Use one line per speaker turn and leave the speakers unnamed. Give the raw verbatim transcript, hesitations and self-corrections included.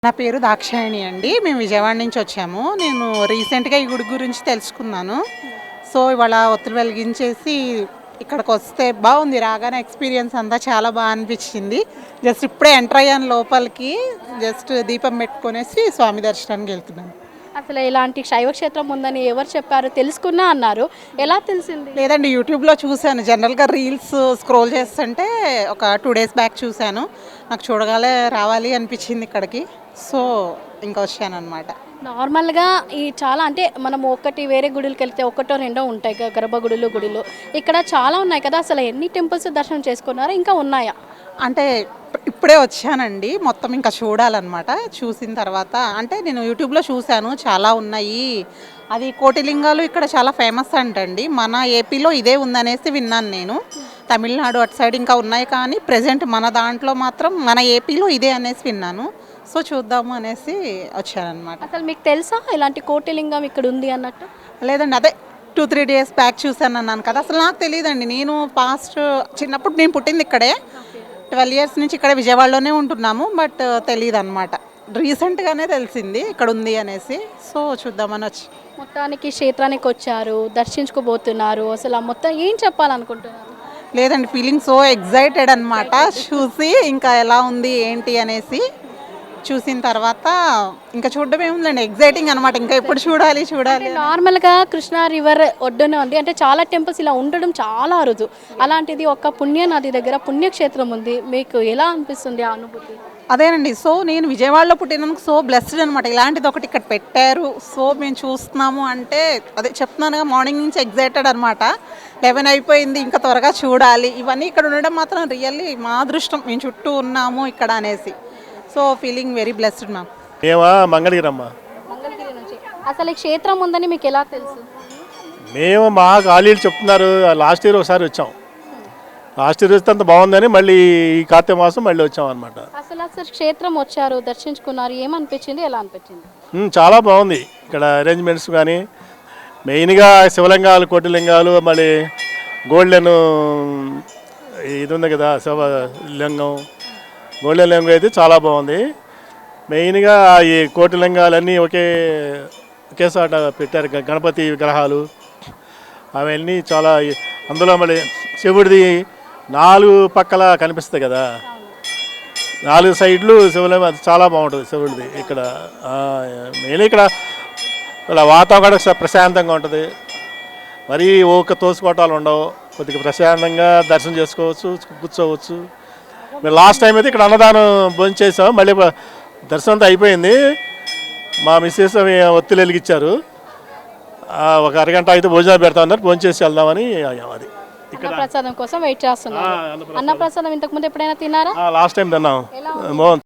నా పేరు దాక్షాయణి అండి. మేము విజయవాడ నుంచి వచ్చాము. నేను రీసెంట్‌గా ఈ గుడి గురించి తెలుసుకున్నాను. సో, ఇవాళ ఒత్తులు వెలిగించేసి ఇక్కడికొస్తే బావుంది. రాగానే ఎక్స్‌పీరియన్స్ అంతా చాలా బా అనిపిచ్చింది. జస్ట్ ఇప్పుడే ఎంటర్ అయ్యాను లోపలికి. జస్ట్ దీపం పెట్టుకొనేసి స్వామి దర్శనానికి వెళ్తున్నాను.
అసలు ఇలాంటి శైవ క్షేత్రం ఉందని ఎవరు చెప్పారు? తెలుసుకున్నా అన్నారు. ఎలా తెలిసింది?
లేదండి, యూట్యూబ్‌లో చూశాను. జనరల్‌గా రీల్స్ స్క్రోల్ చేస్తుంటే ఒక రెండు డేస్ బ్యాక్ చూశాను. నాకు చూడగానే రావాలి అనిపిచ్చింది ఇక్కడికి. సో, ఇంక వచ్చాననమాట.
నార్మల్‌గా ఈ చాలా అంటే మనం ఒక్కటి వేరే గుడులకెళ్తే ఒకటో రెండో ఉంటాయి గ గర్భగుడులు, గుడిలు. ఇక్కడ చాలా ఉన్నాయి కదా! అసలు ఎన్ని టెంపుల్స్ దర్శనం చేసుకున్నారు? ఇంకా ఉన్నాయా?
అంటే ఇప్ ఇప్పుడే వచ్చానండి. మొత్తం ఇంకా చూడాలనమాట. చూసిన తర్వాత అంటే నేను యూట్యూబ్‌లో చూశాను. చాలా ఉన్నాయి. అది కోటిలింగాలు ఇక్కడ చాలా ఫేమస్ అంటండి. మన ఏపీలో ఇదే ఉందనేసి విన్నాను నేను. తమిళనాడు అటు సైడ్ ఇంకా ఉన్నాయి కానీ ప్రెజెంట్ మన దాంట్లో మాత్రం మన ఏపీలో ఇదే అనేసి విన్నాను. సో, చూద్దాము అనేసి వచ్చాననమాట.
అసలు మీకు తెలుసా ఇలాంటి కోటిలింగం ఇక్కడ ఉంది అన్నట్టు?
లేదండి, అదే రెండు, మూడు డేస్ బ్యాక్ చూశానన్నాను కదా! అసలు నాకు తెలీదండి. నేను పాస్ట్ చిన్నప్పుడు నేను పుట్టింది ఇక్కడే. పన్నెండు ఇయర్స్ నుంచి ఇక్కడ విజయవాడలోనే ఉంటున్నాము. బట్ తెలీదనమాట. రీసెంట్‌గానే తెలిసింది ఇక్కడ ఉంది అనేసి. సో, చూద్దామని వచ్చి
మొత్తానికి క్షేత్రానికి వచ్చారు, దర్శించుకోబోతున్నారు. అసలు ఆ మొత్తం ఏం చెప్పాలనుకుంటున్నారు?
లేదండి, ఫీలింగ్ సో ఎక్సైటెడ్ అనమాట. చూసి ఇంకా ఎలా ఉంది ఏంటి అనేసి చూసిన తర్వాత ఇంకా చూడడం ఏముందండి, ఎక్సైటింగ్ అనమాట. ఇంకా ఎప్పుడు చూడాలి చూడాలి.
నార్మల్‌గా కృష్ణా రివర్ ఒడ్డున ఉంది. అంటే చాలా టెంపుల్స్ ఇలా ఉండడం చాలా అరుదు. అలాంటిది ఒక పుణ్య నది దగ్గర పుణ్యక్షేత్రం ఉంది. మీకు ఎలా అనిపిస్తుంది ఆ అనుభూతి?
అదేనండి. సో, నేను విజయవాడలో పుట్టినందుకు సో బ్లెస్డ్ అనమాట. ఇలాంటిది ఒకటి ఇక్కడ పెట్టారు. సో, మేము చూస్తున్నాము అంటే అదే చెప్తున్నానుగా, మార్నింగ్ నుంచి ఎక్సైటెడ్ అనమాట. లెవెన్ అయిపోయింది, ఇంకా త్వరగా చూడాలి. ఇవన్నీ ఇక్కడ ఉండడం మాత్రం రియల్లీ మా అదృష్టం. మేము చుట్టూ ఉన్నాము ఇక్కడ అనేసి. So, feeling very blessed ma'am.
మేమా మంగళగిరమ్మ.
మంగళగిరి నుంచి. అసలు ఈ క్షేత్రం ఉందని మీకు ఎలా తెలుసు?
మేము మా కాలేజీలు చెప్తున్నారు. లాస్ట్ ఇయర్ ఒకసారి వచ్చాం. లాస్ట్ ఇయర్ వస్తే అంత బాగుందని మళ్ళీ ఈ కార్తీక మాసం మళ్ళీ వచ్చాం అనమాట.
అసలు అసలు క్షేత్రం వచ్చారు, దర్శించుకున్నారు, ఏమనిపించింది, ఎలా అనిపించింది?
చాలా బాగుంది ఇక్కడ అరేంజ్మెంట్స్ కానీ. మెయిన్గా శివలింగాలు, కోటిలింగాలు, మళ్ళీ గోల్డెన్ ఇది ఉంది కదా శివలింగం, గోల్డెన్ లింగం అయితే చాలా బాగుంది. మెయిన్గా ఈ కోటిలింగాలన్నీ ఒకే ఒకే చోట పెట్టారు. గ- గణపతి విగ్రహాలు అవన్నీ చాలా. అందులో మళ్ళీ శివుడిది నాలుగు పక్కల కనిపిస్తుంది కదా, నాలుగు సైడ్లు శివలింగం, అది చాలా బాగుంటుంది శివుడిది ఇక్కడ. మెయిన్ ఇక్కడ ఇలా వాతావరణం స- ప్రశాంతంగా ఉంటుంది. మరీ ఊక తోసుకోవటాలు ఉండవు. కొద్దిగా ప్రశాంతంగా దర్శనం చేసుకోవచ్చు, కూర్చోవచ్చు. మేము లాస్ట్ టైం అయితే ఇక్కడ అన్నదానం భోజనం చేసాం. మళ్ళీ ప- దర్శనం అంతా అయిపోయింది. మా మిస్సెస్ ఒత్తిడి వెలిగించారు. ఆ, ఒక అరగంట అయితే భోజనాలు పెడతా ఉన్నారు. భోజనం చేసి వెళ్దామని ఆగాం. అది ఇక్కడ
అన్నప్రసాదం కోసం వెయిట్ చేస్తున్నారు.
ఆ, అన్నప్రసాదం.
అన్నప్రసాదం ఇంతకు ముందు ఎప్పుడైనా తిన్నారా?
లాస్ట్ టైం తిన్నాం.
ఎలా
బాగుంది,